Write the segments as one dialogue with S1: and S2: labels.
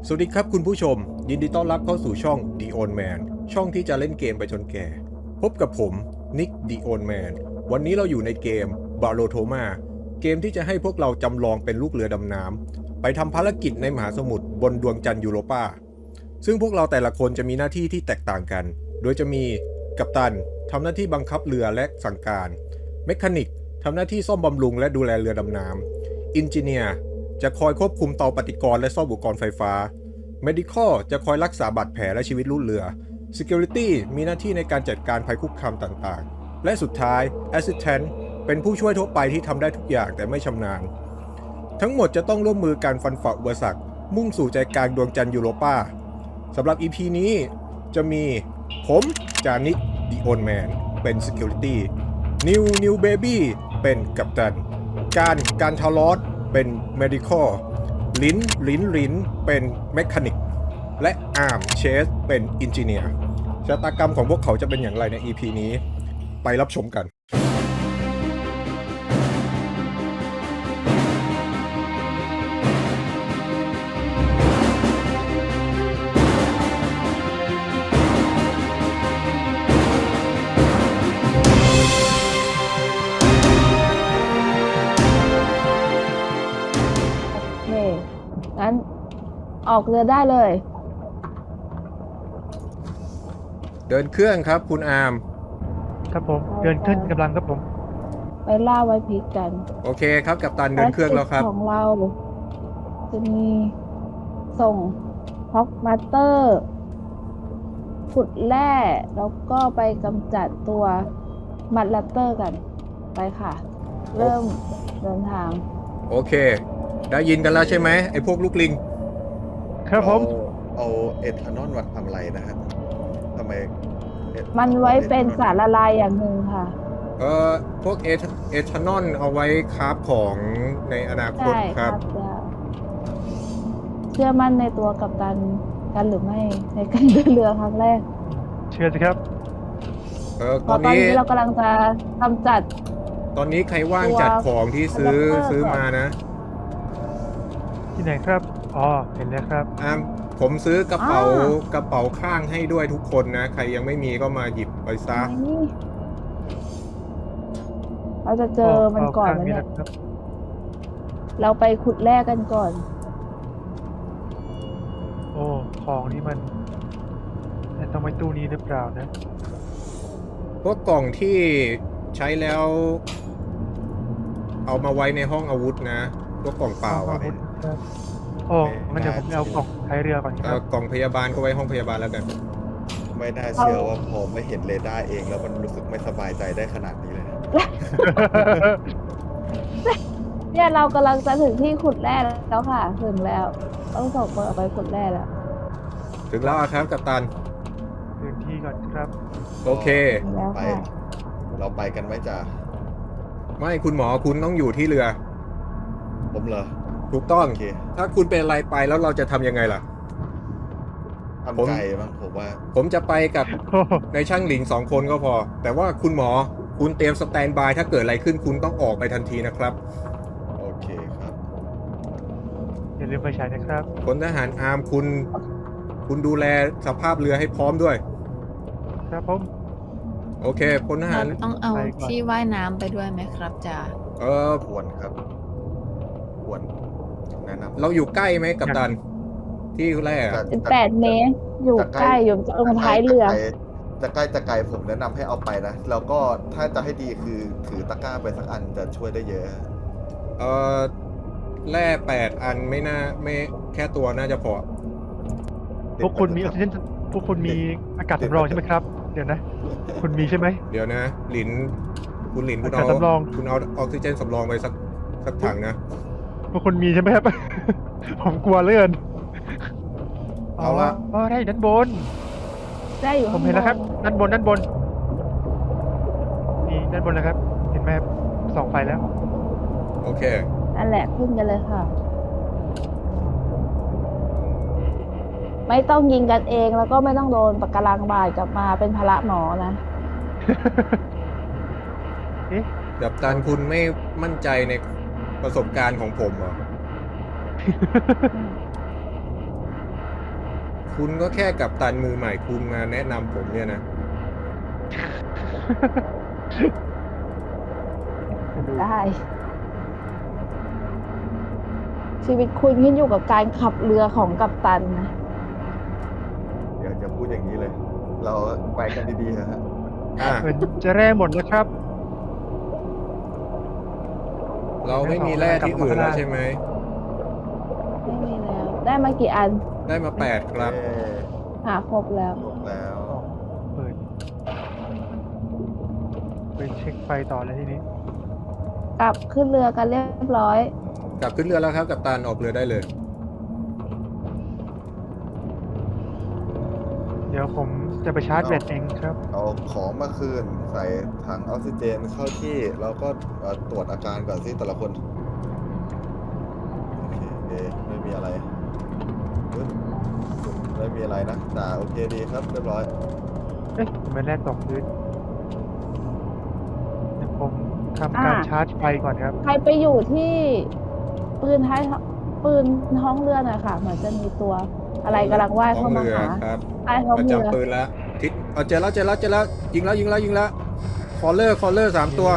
S1: สวัสดีครับคุณผู้ชมยินดีต้อนรับเข้าสู่ช่อง The Old Man ช่องที่จะเล่นเกมไปจนแก่พบกับผมนิก The Old Man วันนี้เราอยู่ในเกม Barothoma เกมที่จะให้พวกเราจำลองเป็นลูกเรือดำน้ำไปทำภารกิจในมหาสมุทรบนดวงจันทร์ยูโรปาซึ่งพวกเราแต่ละคนจะมีหน้าที่ที่แตกต่างกันโดยจะมีกัปตันทำหน้าที่บังคับเรือและสั่งการเมคานิกทำหน้าที่ซ่อมบำรุงและดูแลเรือดำน้ำอินจิเนียร์จะคอยควบคุมเตาปฏิกรณ์และซ่อมอุปกรณ์ไฟฟ้า Medical จะคอยรักษาบาดแผลและชีวิตลูกเรือ Security มีหน้าที่ในการจัดการภัยคุกคามต่างๆ และสุดท้าย Assistant เป็นผู้ช่วยทั่วไปที่ทำได้ทุกอย่างแต่ไม่ชำนาญ ทั้งหมดจะต้องร่วมมือการฟันฝ่าอุปสรรคมุ่งสู่ใจกลางดวงจันทร์ยูโรปาสำหรับ EP นี้จะมีผมจานิก The Old Man เป็น Security New Baby เป็นกัปตันการทารอสเป็น Medical ลิ้นเป็นเมคานิกและอาร์มเชสเป็นอินจิเนียร์ชะตากรรมของพวกเขาจะเป็นอย่างไรใน EP นี้ไปรับชมกัน
S2: โอเค งั้นออกเรือได้เลย
S1: เดินเครื่องครับคุณอาร์ม
S3: ครับผมเดินขึ้นกำลังครับผม
S2: ไปล่าไว้พริกกัน
S1: โอเคครับกัปตันเดินเครื่องแล้วครับ
S2: ภารกิจของเราจะมีส่งฮอกมาสเตอร์ขุดแร่แล้วก็ไปกำจัดตัวมัดแรปเตอร์กัน ไปค่ะ เริ่มเดินทาง
S1: โอเค ได้ยินกันแล้วใช่ไหมไอ้พวกลูกลิง
S3: ครับผม
S4: เอาเอทานอลมาทำอะไรนะครับทำไม
S2: มันไว้เป็นสารละลายอย่างหนึ่งค่ะ
S1: พวกเอทานอลเอาไว้คราฟของในอนาคต
S2: ใช่
S1: ค
S2: ค
S1: รั
S2: รับ บเชื่อมั่นในตัวกัปตันกันหรือไม่ในการเดินเรือครั้งแรก
S3: เชื่อสิครับ
S2: เพ
S1: ตอน
S2: ราะตอน
S1: นี้
S2: นี้เรากำลังจะกำจัด
S1: ตอนนี้ใครว่างจัดของที่ซื้อมานะ
S3: ที่ไหนครับอ๋อเห็นแล้วครับ
S1: ผมซื้อกระเป๋าข้างให้ด้วยทุกคนนะ ใครยังไม่มีก็มาหยิบไปซะ
S2: นี่เราจะเจอมันก่อนแล้วเนี่ย
S3: นะครับ
S2: เราไปขุดแร่กันก่อน
S3: โอ้ของนี่มันต้องไว้ตู้นี้หรือเปล่านะ
S1: พวกกล่องที่ใช้แล้ว เอามาไว้ในห้องอาวุธนะ พวกกล่องเปล่าอ่ะ
S3: ครับโอ้งั้นเดี๋ยวผมไปเอากล่องท้ายเรือก่อนครับ
S1: กล่องพยาบาลก็ไว้ห้องพยาบาลแล้วกัน
S4: ไม่น่าเชื่อว่าพอไม่เห็นเรดาร์เองแล้วมันรู้สึกไม่สบายใจได้ขนาดนี้เลย
S2: เนี่ยเรากำลังจะถึงที่ขุดแร่แล้วค่ะ ถึงแล้ว ต้องส่งคนออกไปขุดแร่แล้ว
S1: ถึงแล้วอะครับกัปตัน
S3: พื้นที่ก่อนครับ
S1: โอเค
S2: ถึงแล้ว
S4: ไป
S2: ค่ะ
S4: เราไปกันไหมจ๊ะ
S1: ไม่คุณหมอคุณต้องอยู่ที่เรือ
S4: ผมเหรอ
S1: ถูกต้อง
S4: โอเค
S1: ถ้าคุณเป็นอะไรไปแล้วเราจะทำยังไงล่ะ ผม
S4: ทำใจมั้งผมว่า
S1: ผมจะไปกับ
S3: โอ้
S1: ในช่างหลิง2 คนก็พอ แต่ว่าคุณหมอคุณเตรียมสแตนบายถ้าเกิดอะไรขึ้นคุณต้องออกไปทันทีนะครับ
S4: โอเคครับ
S3: อย่าลืมไฟฉายนะครับ
S1: พลทหารอาร์มคุณดูแลสภาพเรือให้พร้อมด้วย
S3: ครับผม
S1: โอเคพลทหาร
S5: เราต้องเอาที่ว่ายน้ำไปด้วยไหมครับจ่า
S4: ควรครับ ควรแนะนำ
S1: เราอยู่ใกล้ไหมกัปตัน ที่แรกอะ
S2: เป็น8 เมตร อยู่ใกล้อยู่ตรงท้ายเรือ
S4: จะใกล้จะไกลผมแนะนำให้เอาไปนะ แล้วก็ถ้าจะให้ดีคือถือตะกร้าไปสักอันจะช่วยได้เยอะ
S1: แร่8 อันไม่แค่ตัวน่าจะพอ
S3: พวกคุณมีออกซิเจนพวกคุณมีอากาศสำรองใช่ไหมครับ เดี๋ยวนะ คุณมีใช่ไหม
S1: เดี๋ยวนะคุณหลินคุณ
S3: อากาศสำรอง
S1: คุณเอาออกซิเจนสำรองไปสักถังนะ
S3: พวกคุณมีใช่ไหมครับ ผมกลัวเลื่อน
S1: เอาละ
S3: อ๋อได้ด้านบน
S2: ได้อยู่
S3: ผ
S2: ข้าม ง
S3: เห็นแล้วครับ
S2: บน
S3: ด้านบนนี่ด้านบนแล้วครับ เห็นไหมครับส่องไฟแล้ว
S1: โอเค
S2: นั่นแหละขึ้นกันเลยค่ะ ไม่ต้องยิงกันเองแล้วก็ไม่ต้องโดนปะการังบาดกลับมาเป็นภาระหมอนะ
S1: กัปตันคุณไม่มั่นใจในประสบการณ์ของผมเหรอคุณก็แค่กัปตันมือใหม่คุณมาแนะนำผมเนี่ยนะ
S2: ได้ ชีวิตคุณขึ้นอยู่กับการขับเรือของกัปตันนะ
S4: อย่าพูดอย่างนี้เลย เราไปกันดีๆเถอะฮะ
S1: อ่ะ
S3: เหมือนจะแร่หมดแล้วครับ
S1: เราไม่มีแร่ที่อื่นแล้วใช่ไหม
S2: ไม่มีแล้ว ได้มากี่อัน
S1: ได้มา 8 ครับ
S4: เอ้ย
S2: หาครบแล้ว
S4: จบแล้ว
S3: เปิดไปเช็คไฟต่อเลยทีนี้
S2: กลับขึ้นเรือกันเรียบร้อย
S1: กลับขึ้นเรือแล้วครับกัปตันออกเรือได้เลย
S3: เดี๋ยวผมจะไปชาร์จแบตเองครับ
S4: เอาของมาคืนใส่ถังออกซิเจนเข้าที่แล้วก็ตรวจอาการก่อนสิแต่ละคนโอเคไม่มีอะไรปึ๊บไม่มีอะไรนะจ่าโอเคดีครับเรียบร้อย
S3: เอ๊ะทำไมแร่ตกพื้นเดี๋ยวผมทำการชาร์จไฟก่อนครับ
S2: ใครไปอยู่ที่ปืนท้องเรือหน่อยค่ะ เหมือนจะมีตัวอะไรกำลังว่าย
S1: ท้อ
S2: เข้าง มา
S1: เรือ
S2: หา
S1: ครับ
S2: ใต้ท้อง
S1: ประ
S2: เรือ
S1: จำปืนแล้วทิศเจอแล้วยิงแล้วคอลเลอร์3 ตัว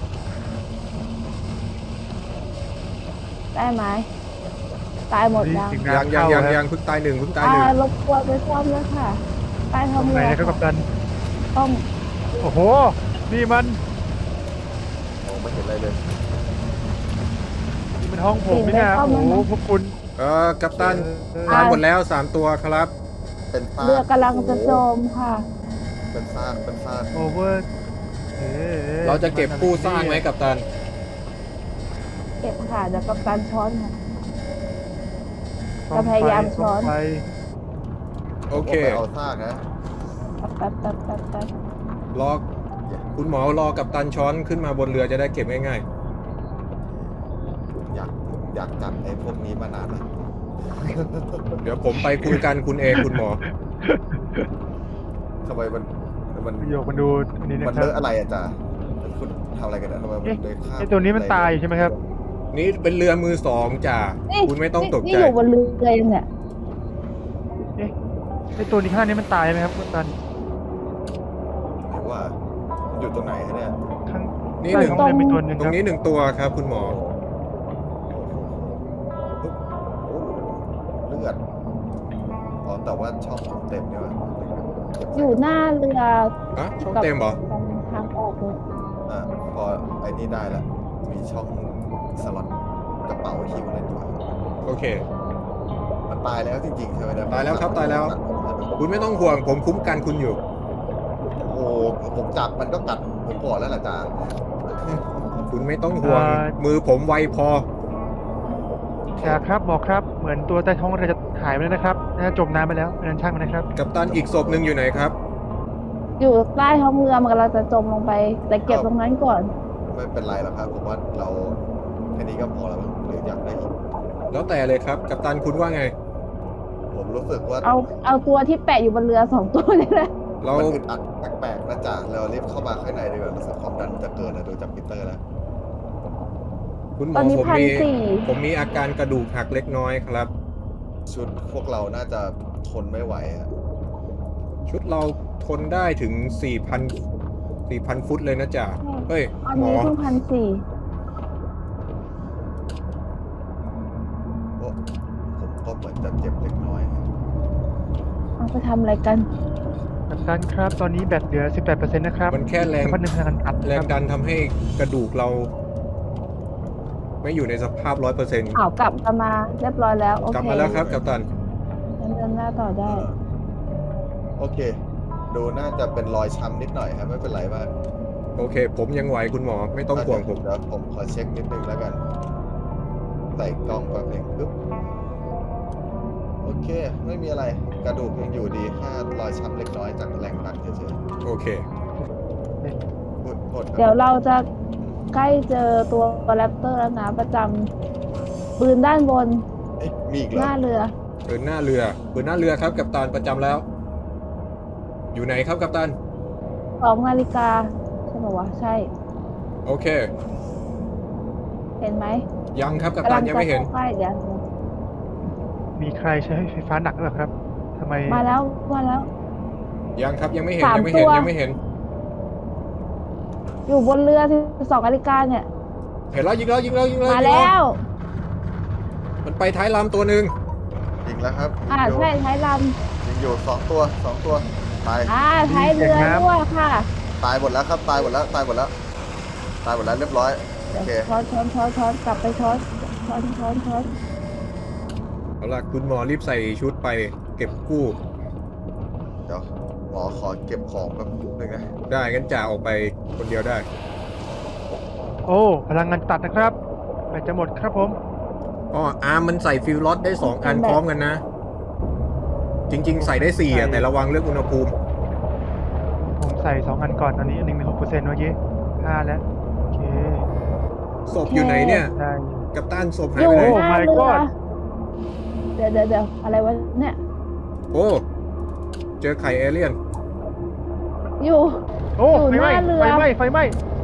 S2: ได้ไหมตายหมดยัง
S3: ถึง
S1: ยัง
S3: น้ำเข้าครับ
S1: เพิ่งตายหนึ่ง
S2: รบกวนไปซ่อมแล้วค่ะ ใต้
S3: ต
S2: ท้อ
S3: รง งไหน
S2: เรือ
S3: นะครับกัปตัน
S2: ต้อง
S3: โอ้โห นี่มัน
S4: มองไม่เห็นอะไรเลย
S3: นี่มันห้องผมนี่นะโอ้โหพวกคุณ
S1: กัปตันตายหมดแล้ว 3 ตัวครับ
S4: เป็นซาก
S2: เรือกำลังจะจมค่ะ
S4: เป็นซาก
S3: โอเวอร์เอ๊ะ
S1: เราจะเก็บกู้สร้างไหมกัปตัน
S2: เก็บค่ะเดี๋ยวกัปตันช้อนค่ะ
S3: ซ่อม
S2: จะพยายาม
S3: ไฟ
S2: ช้อน
S3: ไฟ
S1: โอเค
S4: ผมไปเอาซากนะ
S2: แป๊บ
S1: รอคุณหมอรอกัปตันช้อนขึ้นมาบนเรือจะได้เก็บง่าย
S4: อยากจับไอ้พวกนี้มานานแล้ว
S1: ๆ เดี๋ยวผมไปคุยกันคุณเองคุณหมอ
S4: ทำไมมัน
S3: ประโยคมันดูอันนี้นะ
S4: มัน
S3: ครั
S4: เล
S3: บ
S4: อะอะไรอะจ๊ะคุณทำอะไรกันอะทำไมมัน
S3: เอ๊ะ
S4: เดินข้าม
S3: ไอ้ตัวนี้มันตายอยู่ใช่ไหมครับ
S1: นี่เป็นเรือมือ 2จ่า
S2: นี่
S1: คุณไม่ต้องตก
S2: นี่
S1: ใจ
S2: อยู่บนเรือยังเนี่ย
S3: เอ๊ะไอ้ตัวนี้ข้างนี้มันตายไหมครับกัปตัน
S4: หรือว่ามันอยู่ตรงไหนฮะเนี่ย
S3: ข้าง
S1: นี่
S3: ใต้
S1: หนึ่ง
S3: ท้องเรือมีตัวหนึ่ง
S1: ตร
S3: ครั
S1: ง
S3: บ
S1: นี้1 ตัวครับคุณหมอ
S4: โอ้โหเลือดอ๋อแต่ว่าช่องผมเต็มเนี่ยว่ะ
S2: อยู่หน้าเรือ
S1: อะช่องเต็มเหรอ
S2: ตรงทางออกเลย
S4: อ่ะพอไอ้นี่ได้ละมีช่องสล็อตกระเป๋าคิวเลยดีกว่า
S1: โอเค
S4: มันตายแล้วจริงๆใช่ไหมเนี่ย
S1: ตายแล้วครับตายแล้ว คุณไม่ต้องห่วงผมคุ้มกันคุณอยู่
S4: โอ้โหผมจับมันก็กัดผมก่อนแล้วล่ะจ๊ะ
S1: คุณไม่ต้องห่วง มือผมไวพอ
S3: จ่าครับหมอครับ เหมือนตัวใต้ท้องเรือจะหายไปแล้วนะครับน่าจะจมน้ำไปแล้วนั้นช่างมันนะครับ
S1: กัปตันอีกศพหนึ่งอยู่ไหนครับ
S2: อยู่ใต้ท้องเรือมันกำลังจะจมลงไป แต่เก็บตรงนั้นก่อน
S4: ไม่เป็นไรหรอกครับผมว่าเราแค่นี้ก็พอแล้วมั้งหรืออยากได้อีก
S1: แล้วแต่เลยครับ กัปตันคุณว่าไง
S4: ผมรู้สึกว่า
S2: เอาตัวที่แปะอยู่บนเรือ2 ตัวนี่แหละ
S1: เรา
S4: มันอึดอัดแปลกๆนะจ๊ะเรารีบเข้ามาข้างในดีกว่ารู้สึกความดันจะเกินนะดูจากมิเตอร์แล้ว
S1: คุณหม
S2: ต
S1: อ
S2: อนนี้
S1: ผมมีอาการกระดูกหักเล็กน้อยครับ
S4: ชุดพวกเราน่าจะทนไม่ไหวอะ
S1: ชุดเราทนได้ถึง 4,000 ฟุตเลยนะจ๊ะเฮ้ย
S2: อัน
S1: หมอ
S2: นี้เพิ่ง1,400
S4: โอ้ผมก็เหมือนจะเจ็บเล็กน้อย
S2: เอาไปทำอะไรกัน
S3: กัปตันครับ ตอนนี้แบตเหลือ 18%นะครับ
S1: มันแค่แรง
S3: สักพักหนึ่งพลังงานอัด
S1: แร
S3: ค
S1: ง
S3: รับ
S1: ดันทำให้กระดูกเรา ไม่อยู่ในสภาพ 100%
S2: อ้าวกลับมาเรียบร้อยแล้ว โอเค
S1: กลับมาแล้วครับกัปตัน
S2: งั้นเดินหน้าต่อได้
S4: โอเค ดูน่าจะเป็นรอยช้ำนิดหน่อยครับไม่เป็นไรมาก
S1: โอเค ผมยังไหวคุณหมอไม่ต้องห่วงผม
S4: เดี๋ยวผมขอเช็คนิดนึงแล้วกันใส่กล้องแป๊บหนึงปึ๊บโอเค ไม่มีอะไรกระดูกยังอยู่ดีแค่รอยช้ำเล็กน้อยจากแรงดันเฉย
S1: โอเค
S4: ๆหมดครับ
S2: เดี๋ยวเราจะใกล้เจอตัวแรปเตอร์แล้วนะประจำปืนด้านบน
S4: เอ๊ะมีอีกเหร
S2: ห
S4: อ
S2: น้าเรือ
S1: ปืนหน้าเรือครับกัปตันประจำแล้ว อยู่ไหนครับกัปตัน
S2: 2 นาฬิกาใช่ป่าวะ ใช่
S1: โอเค
S2: เห็นไหม
S1: ยังครับกัปตันยังไม่เห็น
S2: กำลัจะข้าใกล้เดี๋ยว
S3: มีใครใช้ไฟฟ้าหนักหรือเปล่าครับทำไม
S2: มาแล้ว
S1: ยังครับยังไม่เห็น
S2: สาม
S1: ยังไม่เห็น
S2: ตัว
S1: ยังไม่เห็น
S2: อยู่บนเรือที่12นาฬิกาเนี่ย
S1: เห็นแล้วยิงแล้วยิงแล้วยิงแล้ว
S2: มา
S1: ยิง
S2: แล้ว
S1: มันไปท้ายลำตัวหนึ่ง
S4: ยิงแล้วครับ
S2: ใช่ท้ายล
S4: ยิงอยู่2 ตัวตาย
S2: ำท้ายเรือด้วยค่ะ
S4: ตายหมดแล้วครับตายหมดแล้วเรียบร้อยโอ
S2: เดี๋ยว
S4: เค
S2: ช้อนกลับไปช้อน
S1: เอาล่ะคุณหมอรีบใส่ชุดไปเก็บกู้
S4: เดี๋ยวหมอขอเก็บของแป๊บนึงนะ
S1: ได้งั้นจ่าออกไปคนเดียวได้
S3: โอ้พลังงานตัดนะครับแบตจะหมดครับผม
S1: อ๋ออาร์มมันใส่ฟิลล็อตได้2อันพร้อมกันนะ จริง ๆ ใส่ได้4อ่ะแต่ระวังเรื่องอุณหภูมิ
S3: ผมใส่2 อันก่อนตอนนี้1.6%เมื่อกี้5แล้วโอเค
S1: ศพอยู่ไหนเนี่ย
S3: ได้
S1: กัปตันศพหา
S2: อย
S1: ไป
S2: ยู่
S1: ไหน
S2: หน้า
S3: my
S2: เรือ
S3: god
S2: เดี๋ยวอะไรวะเนี่ย
S1: โอ้เจอไข่เอเลี่ยน
S2: อยู่
S3: โอ้
S2: อยู่
S3: ไฟไหม้
S2: หน้าเรือ
S3: ไฟไหม้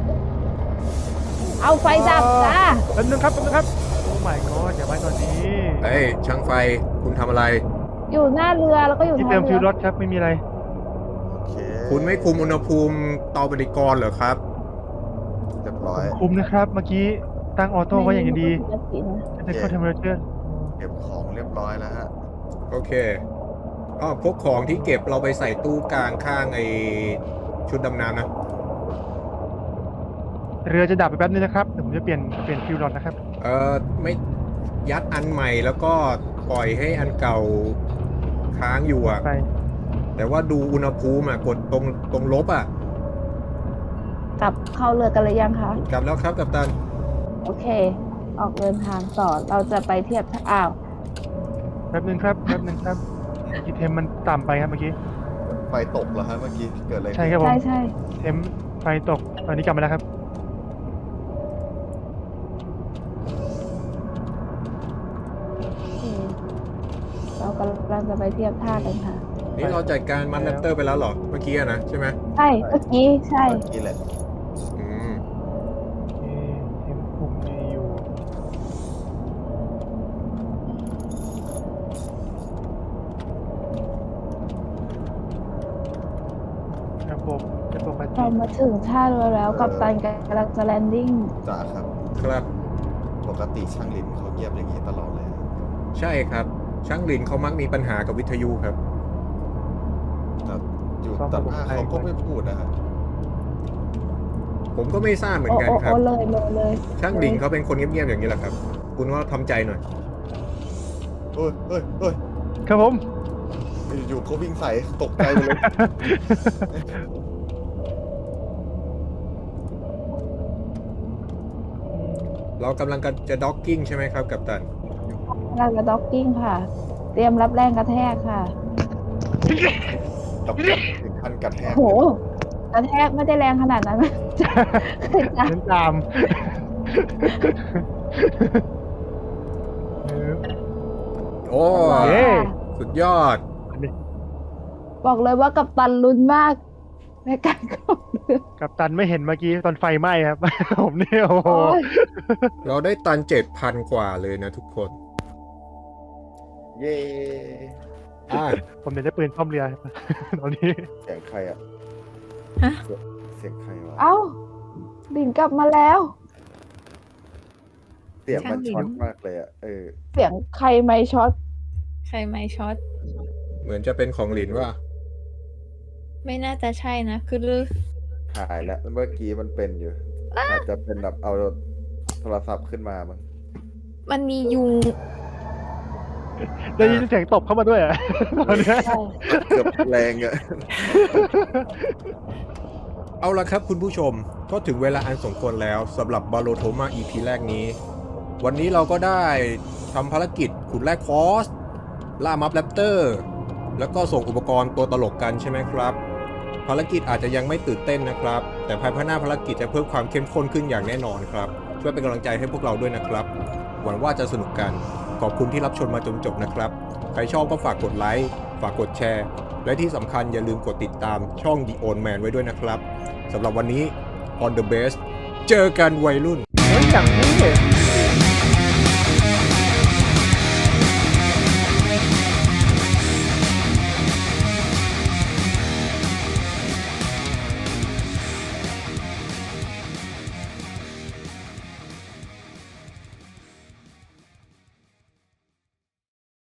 S2: เอาไฟดับจ้า
S3: แป๊บนึงครับโอ้ my god อย่าไว้ตอนนี้
S1: เฮ้ยช่างไฟคุณทำอะไร
S2: อยู่หน้าเรือแล้วก็อยู่
S3: ที่
S2: ท้า
S3: เติ
S2: ย
S3: มฟิ
S2: เรื
S3: ว
S2: อ
S3: รถครับไม่มีอะไร
S4: โอเค
S1: คุณไม่คุมอุณหภูมิเตาปฏิกรณ์เหรอครับ
S4: เรียบร้อย
S3: คุมนะครับ เมื่อกี้ตั้งออโต้ไว้อย่างดี
S2: ปกตินะ
S3: จะเข้าเทมเพอเรเจอร์
S4: เก็บของเรียบร้อยแล้วฮะ
S1: โอเคอ๋อพวกของที่เก็บเราไปใส่ตู้กลางข้างไอชุดดำน้ำนะ
S3: เรือจะดับไปแป๊บนึงนะครับเดี๋ยวผมจะเปลี่ยนฟิวรถนะครับ
S1: ไม่ยัดอันใหม่แล้วก็ปล่อยให้อันเก่าค้างอยู่อ่ะ
S3: ไป
S1: แต่ว่าดูอุณหภูมิอ่ะกดตรงลบอ่ะ
S2: กลับเข้าเรือกันเลยยังคะ
S1: กลับแล้วครับกัปตัน
S2: โอเค ออกเดินทางต่อเราจะไปเทียบท่าอ้าว
S3: แป๊บนึงครับกีเทมมันต่ำไปครับเมื่อกี้
S4: ไฟตกเหรอฮะเมื่อกี้เกิดอะไรขึ้น
S3: ใช่ครับผม
S2: ใช่
S3: เทมไฟตกตอนนี้กลับมาแล้วครับ
S2: โอเคเรากำลังจะไปเทียบท่ากันค่ะ
S1: นี่เราจัดการมันแรปเตอร์ไปแล้วเหรอ เมื่อกี้อะนะใช่ไหม
S2: ใช่เมื่อกี้ใช่
S4: เมื่อกี้แหละ
S1: อืม
S3: เทมคุมไม่อยู่ระบบปฏิ
S2: เรามาถึงท่าเรือแล้วกับตันกำลังจะแลนดิ้ง
S4: จ้าครับ
S1: ครับ
S4: ปกติช่างลินเขาเงียบอย่างนี้ตลอดเลย
S1: ใช่ครับ ช่างหลินเขามักมีปัญหากับวิทยุครับ
S4: แต่อยู่ต่อหน้าเขาก็ไม่พูดนะฮะ
S1: ผมก็ไม่ทราบเหมือนกันครับ
S2: โอ้เลย
S1: ช่างหลินเขาเป็นคนเงียบๆอย่างนี้แหละครับ คุณว่าทำใจหน่อย
S4: เอ้ย
S3: ครับผม
S4: อยู่เขาวิ่งใส่ตกใจหมดเลย
S1: เรากำลังจะด็อกกิ้งใช่ไหมครับกัปตัน
S2: กำลังจะด็อกกิ้งค่ะ เตรียมรับแรงกระแทกค่ะ
S4: กับถึงขั้นกระแทก
S2: โหกระแทกไม่ได้แรงขนาดนั้น
S3: เน้นตาม
S1: โอ้
S3: เย้
S1: สุดยอด
S2: บอกเลยว่ากับตันลุ้นมากในการขับเรือ
S3: กับตันไม่เห็นเมื่อกี้ตอนไฟไหม้ครับ ผมเนี่ยโอ้โห
S2: โอ้ย
S1: เราได้ตัน 7,000 กว่าเลยนะทุกคน
S4: เย้
S1: อ่ะ
S3: ผมเดี๋ยวได้ปืนซ่อมเรือ ตอนนี้
S4: เสียงใครอะ
S5: ฮะ
S4: เสียงใครวะ
S2: เอ้าบินกลับมาแล้ว
S4: เสียงมัน
S5: ช่างลิน
S4: ช็อตมากเลยอะ
S2: เสียงใครไม่ช็อต
S5: ใครไม่ช็อต
S1: เหมือนจะเป็นของหลินว่า
S5: ไม่น่าจะใช่นะ คือ
S4: หายแล้วเมื่อกี้มันเป็นอยู่ อาจจะเป็นแบบเอาโทรศัพท์ขึ้นมามั้ง
S5: มันมียุง
S3: ได้ยินเสียงตบเข้ามาด้วยอ่ะ ตอนเนี้ย
S2: ใช่
S4: เกือบแรงอะ
S1: เอาละครับคุณผู้ชมก็ถึงเวลาอันสมควรแล้วสำหรับบาโลโทมา EP แรกนี้ วันนี้เราก็ได้ทำภารกิจขุดแร่คอสล่ามัฟแรปเตอร์แล้วก็ส่งอุปกรณ์ตัวตลกกันใช่ไหมครับ ภารกิจอาจจะยังไม่ตื่นเต้นนะครับ แต่ภายภาคหน้าภารกิจจะเพิ่มความเข้มข้นขึ้นอย่างแน่นอนครับ ช่วยเป็นกำลังใจให้พวกเราด้วยนะครับ หวังว่าจะสนุกกัน ขอบคุณที่รับชมมาจนจบนะครับ ใครชอบก็ฝากกดไลค์ฝากกดแชร์ และที่สำคัญอย่าลืมกดติดตามช่อง The Old Man ไว้ด้วยนะครับสำหรับวันนี้ On the Base เจอกันวัยรุ่น
S3: เฮ้ยอย่างนี้